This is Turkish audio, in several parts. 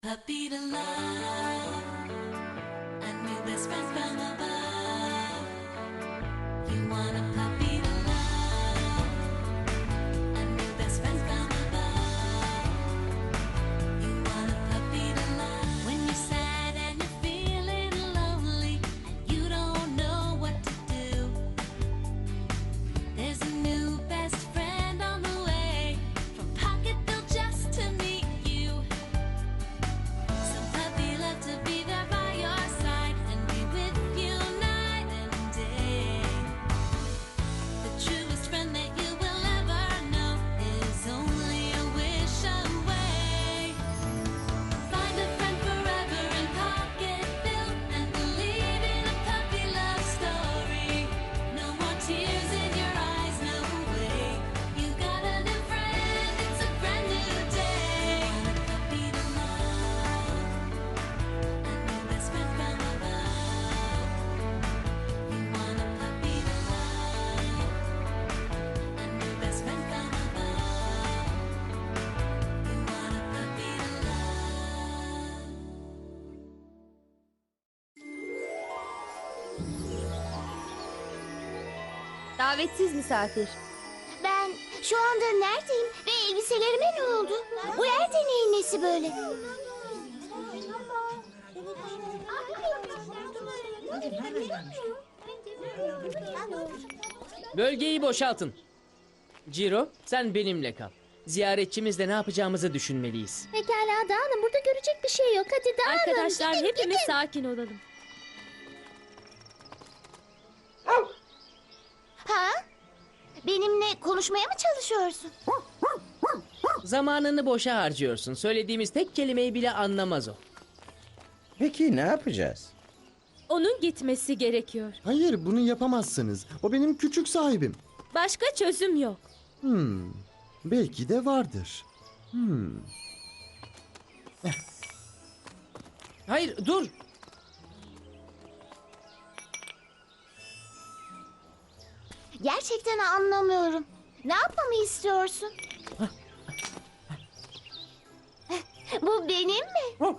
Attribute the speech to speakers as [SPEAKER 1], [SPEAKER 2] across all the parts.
[SPEAKER 1] Puppy to love, a new best friend from above. You want a puppy to love, a new best friend from above. You want a puppy to love. When you're sad and you're feeling lonely and you don't know what to do, there's a new best friend on the way from Pocketville just to meet you. Some puppy love to be there by your side and be with you night and day. The truest friend that you will ever know is only a wish away. Find a friend forever in Pocketville and believe in a puppy love story. No more tears in your eyes, no way. You got a new friend, it's a brand new day. Want a puppy to love, a new best friend from above. You want a puppy to love, a new best friend from above. You want a puppy to love.
[SPEAKER 2] Davetsiz misafir.
[SPEAKER 3] Ben şu anda neredeyim ve elbiselerime ne oldu? Bu yer deneyin nesi böyle?
[SPEAKER 4] Bölgeyi boşaltın. Ciro, sen benimle kal. Ziyaretçimizle ne yapacağımızı düşünmeliyiz.
[SPEAKER 3] Pekala dağılın, burada görecek bir şey yok. Hadi dağılın.
[SPEAKER 2] Arkadaşlar
[SPEAKER 3] Gidin,
[SPEAKER 2] hepimiz
[SPEAKER 3] gidin.
[SPEAKER 2] sakin olalım.
[SPEAKER 3] Ha? Benimle konuşmaya mı çalışıyorsun?
[SPEAKER 4] Zamanını boşa harcıyorsun. Söylediğimiz tek kelimeyi bile anlamaz o.
[SPEAKER 5] Peki ne yapacağız?
[SPEAKER 2] Onun gitmesi gerekiyor.
[SPEAKER 6] Hayır, bunu yapamazsınız. O benim küçük sahibim.
[SPEAKER 2] Başka çözüm yok.
[SPEAKER 6] Belki de vardır.
[SPEAKER 4] Hayır, dur.
[SPEAKER 3] Gerçekten anlamıyorum. Ne yapmamı istiyorsun? Bu benim mi?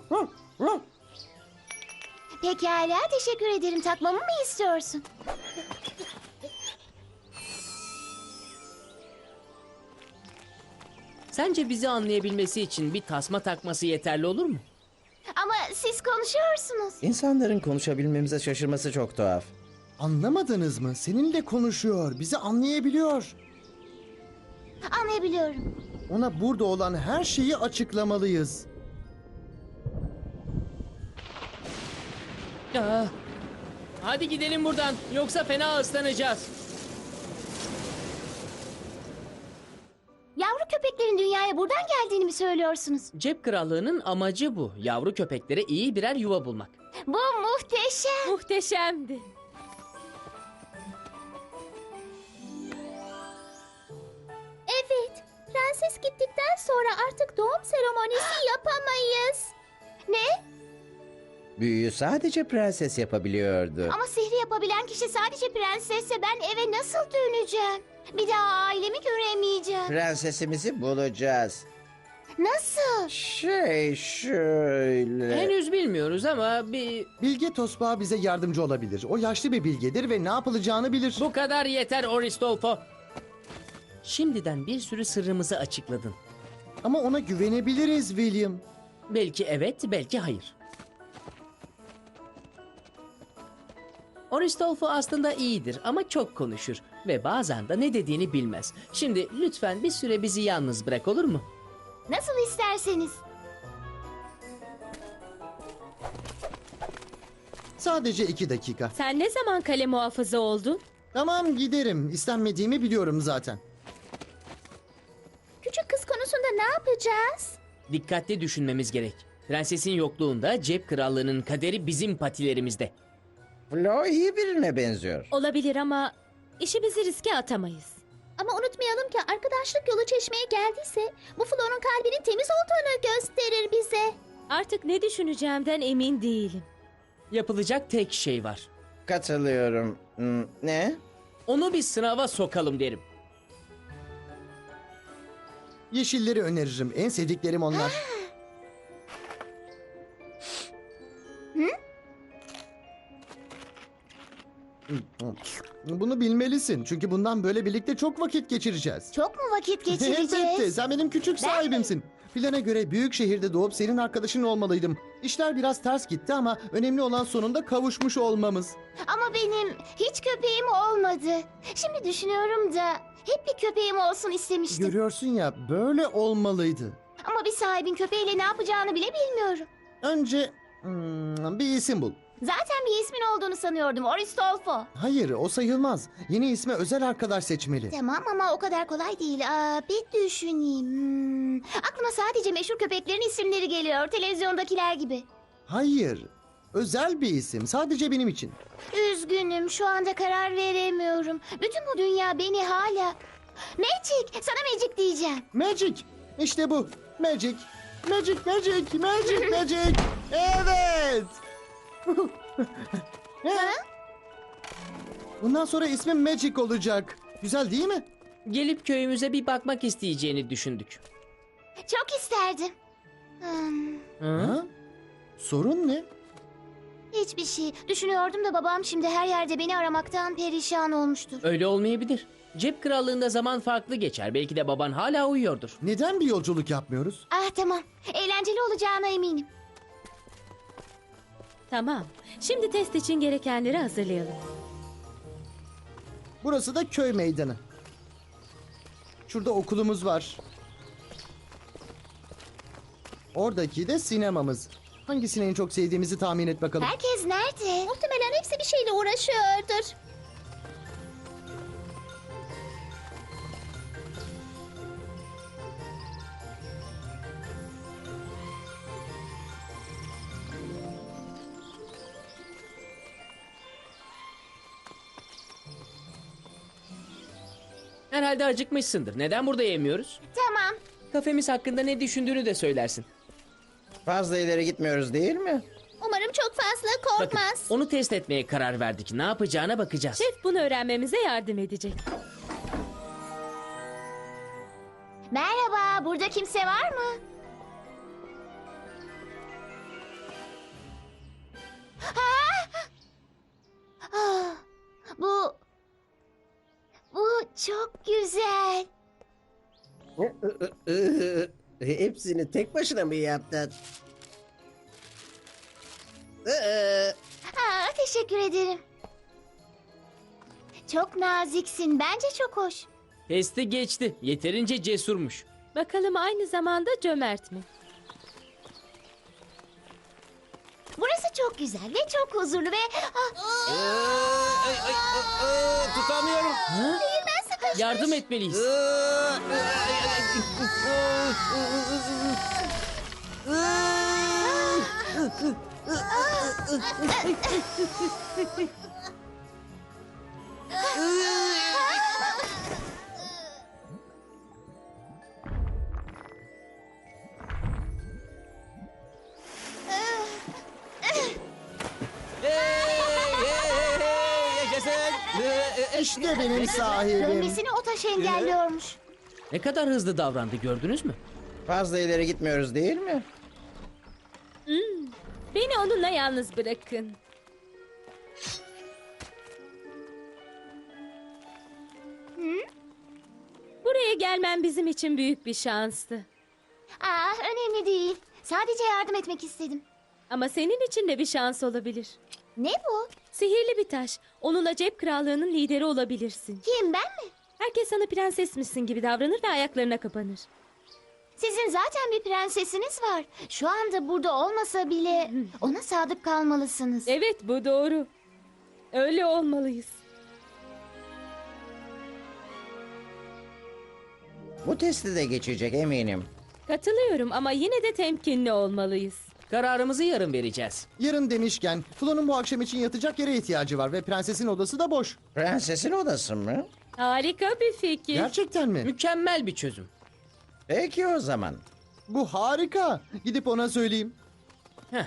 [SPEAKER 3] Pekala, teşekkür ederim. Takmamı mı istiyorsun?
[SPEAKER 4] Sence bizi anlayabilmesi için bir tasma takması yeterli olur mu?
[SPEAKER 3] Ama siz konuşuyorsunuz.
[SPEAKER 5] İnsanların konuşabilmemize şaşırması çok tuhaf.
[SPEAKER 6] Anlamadınız mı? Seninle konuşuyor, bizi anlayabiliyor.
[SPEAKER 3] Anlayabiliyorum.
[SPEAKER 6] Ona burada olan her şeyi açıklamalıyız.
[SPEAKER 4] Aa, hadi gidelim buradan. Yoksa fena ıslanacağız.
[SPEAKER 3] Yavru köpeklerin dünyaya buradan geldiğini mi söylüyorsunuz?
[SPEAKER 4] Cep krallığının amacı bu. Yavru köpeklere iyi birer yuva bulmak.
[SPEAKER 3] Bu muhteşem.
[SPEAKER 2] Muhteşemdi.
[SPEAKER 3] Evet. Prenses gittikten sonra artık doğum seremonisi yapamayız. Ne?
[SPEAKER 5] Büyüyü sadece prenses yapabiliyordu.
[SPEAKER 3] Ama sihri yapabilen kişi sadece prensesse ben eve nasıl döneceğim? Bir daha ailemi göremeyeceğim.
[SPEAKER 5] Prensesimizi bulacağız.
[SPEAKER 3] Nasıl?
[SPEAKER 5] Şöyle...
[SPEAKER 4] Henüz bilmiyoruz ama
[SPEAKER 6] Bilge Tosbağa bize yardımcı olabilir. O yaşlı bir bilgedir ve ne yapılacağını bilir.
[SPEAKER 4] bu kadar yeter Oristolfo. Şimdiden bir sürü sırrımızı açıkladın.
[SPEAKER 6] Ama ona güvenebiliriz William.
[SPEAKER 4] Belki evet, belki hayır. Oristolfo aslında iyidir ama çok konuşur ve bazen de ne dediğini bilmez. Şimdi lütfen bir süre bizi yalnız bırak, olur mu?
[SPEAKER 3] Nasıl isterseniz.
[SPEAKER 6] Sadece 2 dakika.
[SPEAKER 2] Sen ne zaman kale muhafızı oldun?
[SPEAKER 6] Tamam, giderim. İstenmediğimi biliyorum zaten.
[SPEAKER 3] Küçük kız konusunda ne yapacağız?
[SPEAKER 4] Dikkatli düşünmemiz gerek. Prensesin yokluğunda cep krallığının kaderi bizim patilerimizde.
[SPEAKER 5] Flo iyi birine benziyor.
[SPEAKER 2] Olabilir ama işimizi riske atamayız.
[SPEAKER 3] Ama unutmayalım ki arkadaşlık yolu çeşmeye geldiyse bu Flo'nun kalbinin temiz olduğunu gösterir bize.
[SPEAKER 2] Artık ne düşüneceğimden emin değilim.
[SPEAKER 4] Yapılacak tek şey var.
[SPEAKER 5] Katılıyorum. Ne?
[SPEAKER 4] Onu bir sınava sokalım derim.
[SPEAKER 6] Yeşilleri öneririm. En sevdiklerim onlar. Bunu bilmelisin. Çünkü bundan böyle birlikte çok vakit geçireceğiz.
[SPEAKER 3] Çok mu vakit geçireceğiz?
[SPEAKER 6] Elbette. Sen benim küçük sahibimsin. Plana göre büyük şehirde doğup senin arkadaşın olmalıydım. İşler biraz ters gitti ama önemli olan sonunda kavuşmuş olmamız.
[SPEAKER 3] Ama benim hiç köpeğim olmadı. Şimdi düşünüyorum da hep bir köpeğim olsun istemiştim.
[SPEAKER 6] Görüyorsun ya, böyle olmalıydı.
[SPEAKER 3] Ama bir sahibin köpeğiyle ne yapacağını bile bilmiyorum.
[SPEAKER 6] Önce bir isim bul.
[SPEAKER 3] Zaten bir ismin olduğunu sanıyordum. Oristolfo.
[SPEAKER 6] Hayır, o sayılmaz. Yeni isme özel arkadaş seçmeli.
[SPEAKER 3] Tamam ama o kadar kolay değil. Bir düşüneyim. Aklıma sadece meşhur köpeklerin isimleri geliyor. Televizyondakiler gibi.
[SPEAKER 6] Hayır, özel bir isim. Sadece benim için.
[SPEAKER 3] Üzgünüm. Şu anda karar veremiyorum. Bütün bu dünya beni hala... Magic. Sana Magic diyeceğim.
[SPEAKER 6] Magic. İşte bu. Magic. Magic, magic, magic, magic. Evet.
[SPEAKER 3] Ha?
[SPEAKER 6] Bundan sonra ismim Magic olacak. Güzel değil mi?
[SPEAKER 4] Gelip köyümüze bir bakmak isteyeceğini düşündük.
[SPEAKER 3] Çok isterdim.
[SPEAKER 6] Ha? Sorun ne?
[SPEAKER 3] Hiçbir şey. Düşünüyordum da babam şimdi her yerde beni aramaktan perişan olmuştur.
[SPEAKER 4] Öyle olmayabilir. Cep krallığında zaman farklı geçer. Belki de baban hala uyuyordur.
[SPEAKER 6] Neden bir yolculuk yapmıyoruz?
[SPEAKER 3] Tamam. Eğlenceli olacağına eminim.
[SPEAKER 2] Tamam. Şimdi test için gerekenleri hazırlayalım.
[SPEAKER 6] Burası da köy meydanı. Şurada okulumuz var. Oradaki de sinemamız. Hangisini en çok sevdiğimizi tahmin et bakalım.
[SPEAKER 3] Herkes nerede? Muhtemelen hepsi bir şeyle uğraşıyordur.
[SPEAKER 4] Herhalde acıkmışsındır. Neden burada yemiyoruz?
[SPEAKER 3] Tamam.
[SPEAKER 4] Kafemiz hakkında ne düşündüğünü de söylersin.
[SPEAKER 5] Fazla ileri gitmiyoruz değil mi?
[SPEAKER 3] Umarım çok fazla
[SPEAKER 4] Bakın,
[SPEAKER 3] korkmaz.
[SPEAKER 4] onu test etmeye karar verdik. Ne yapacağına bakacağız.
[SPEAKER 2] Şef bunu öğrenmemize yardım edecek.
[SPEAKER 3] Merhaba, burada kimse var mı? Ah, bu çok güzel.
[SPEAKER 5] Hepsini tek başına mı yaptın?
[SPEAKER 3] Teşekkür ederim. Çok naziksin. Bence çok hoş.
[SPEAKER 4] Testi geçti. Yeterince cesurmuş.
[SPEAKER 2] Bakalım aynı zamanda cömert mi?
[SPEAKER 3] Burası çok güzel ve çok huzurlu ve...
[SPEAKER 5] Tutamıyorum.
[SPEAKER 3] Ben sıkışmış.
[SPEAKER 4] Yardım etmeliyiz.
[SPEAKER 6] İşte benim sahibim.
[SPEAKER 3] Dönmesini o taş engelliyormuş.
[SPEAKER 4] Ne kadar hızlı davrandı gördünüz mü?
[SPEAKER 5] Fazla ileri gitmiyoruz değil mi?
[SPEAKER 2] Beni onunla yalnız bırakın. Buraya gelmen bizim için büyük bir şanstı.
[SPEAKER 3] Önemli değil. Sadece yardım etmek istedim.
[SPEAKER 2] Ama senin için de bir şans olabilir.
[SPEAKER 3] Ne bu?
[SPEAKER 2] Sihirli bir taş. Onunla cep krallığının lideri olabilirsin.
[SPEAKER 3] Kim, ben mi?
[SPEAKER 2] Herkes sana prensesmişsin gibi davranır ve ayaklarına kapanır.
[SPEAKER 3] Sizin zaten bir prensesiniz var. Şu anda burada olmasa bile ona sadık kalmalısınız.
[SPEAKER 2] Evet, bu doğru. Öyle olmalıyız.
[SPEAKER 5] Bu testi de geçecek eminim.
[SPEAKER 2] Katılıyorum ama yine de temkinli olmalıyız.
[SPEAKER 4] Kararımızı yarın vereceğiz.
[SPEAKER 6] Yarın demişken Flo'nun bu akşam için yatacak yere ihtiyacı var ve prensesin odası da boş.
[SPEAKER 5] Prensesin odası mı?
[SPEAKER 2] Harika bir fikir.
[SPEAKER 6] Gerçekten mi?
[SPEAKER 4] Mükemmel bir çözüm.
[SPEAKER 5] Peki o zaman.
[SPEAKER 6] Bu harika. Gidip ona söyleyeyim.
[SPEAKER 4] Heh.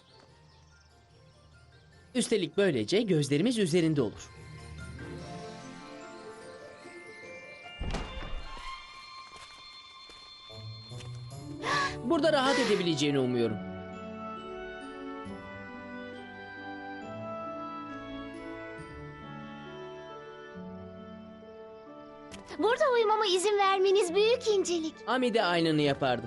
[SPEAKER 4] Üstelik böylece gözlerimiz üzerinde olur. Burada rahat edebileceğini umuyorum.
[SPEAKER 3] Burada uyumama izin vermeniz büyük incelik.
[SPEAKER 4] Ami de aynını yapardı.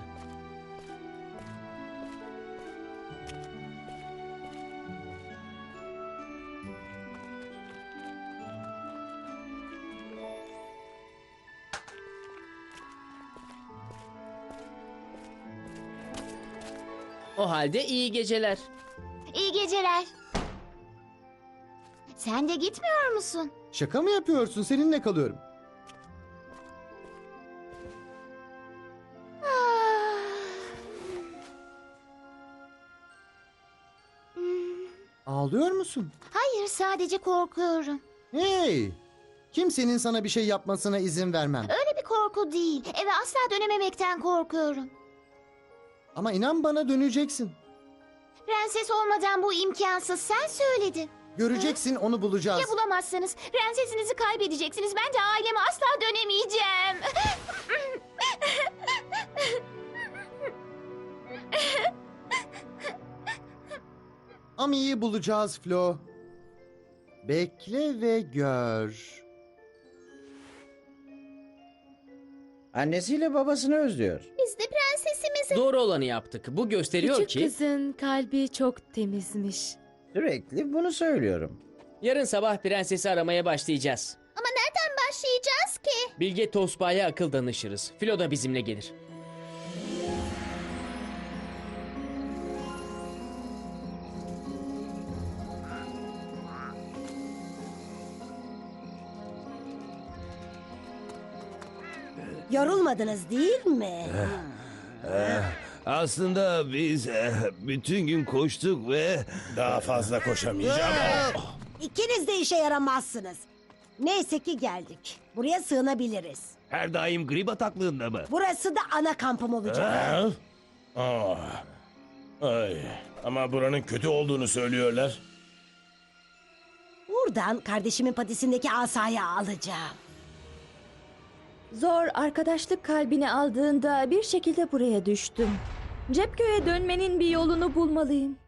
[SPEAKER 4] O halde iyi geceler.
[SPEAKER 3] İyi geceler. Sen de gitmiyor musun?
[SPEAKER 6] Şaka mı yapıyorsun? Seninle kalıyorum.
[SPEAKER 3] Ah.
[SPEAKER 6] Ağlıyor musun?
[SPEAKER 3] Hayır, sadece korkuyorum.
[SPEAKER 6] Hey! Kimsenin sana bir şey yapmasına izin vermem.
[SPEAKER 3] Öyle bir korku değil. Eve asla dönememekten korkuyorum.
[SPEAKER 6] Ama inan bana döneceksin.
[SPEAKER 3] Prenses olmadan bu imkansız. Sen söyledin.
[SPEAKER 6] Göreceksin, onu bulacağız.
[SPEAKER 3] Ya bulamazsanız? Prensesinizi kaybedeceksiniz. Ben de aileme asla dönemeyeceğim.
[SPEAKER 6] Ami'yi bulacağız Flo. Bekle ve gör.
[SPEAKER 5] Annesiyle babasını özlüyor.
[SPEAKER 3] Biz de prensesimizi...
[SPEAKER 4] Doğru olanı yaptık. Bu gösteriyor
[SPEAKER 2] Küçük
[SPEAKER 4] ki
[SPEAKER 2] kızın kalbi çok temizmiş.
[SPEAKER 5] Sürekli bunu söylüyorum.
[SPEAKER 4] yarın sabah prensesi aramaya başlayacağız.
[SPEAKER 3] Ama nereden başlayacağız ki?
[SPEAKER 4] Bilge Tosbağa'ya akıl danışırız. Filo da bizimle gelir.
[SPEAKER 7] Yorulmadınız değil mi?
[SPEAKER 8] Aslında biz bütün gün koştuk ve...
[SPEAKER 9] Daha fazla koşamayacağım.
[SPEAKER 7] İkiniz de işe yaramazsınız. Neyse ki geldik. Buraya sığınabiliriz.
[SPEAKER 8] Her daim grip ataklığında mı?
[SPEAKER 7] Burası da ana kampım olacak.
[SPEAKER 9] Ha? Ay. Ama buranın kötü olduğunu söylüyorlar.
[SPEAKER 7] Buradan kardeşimin patisindeki asayı alacağım.
[SPEAKER 2] Zor arkadaşlık kalbini aldığında bir şekilde buraya düştüm. Cepköy'e dönmenin bir yolunu bulmalıyım.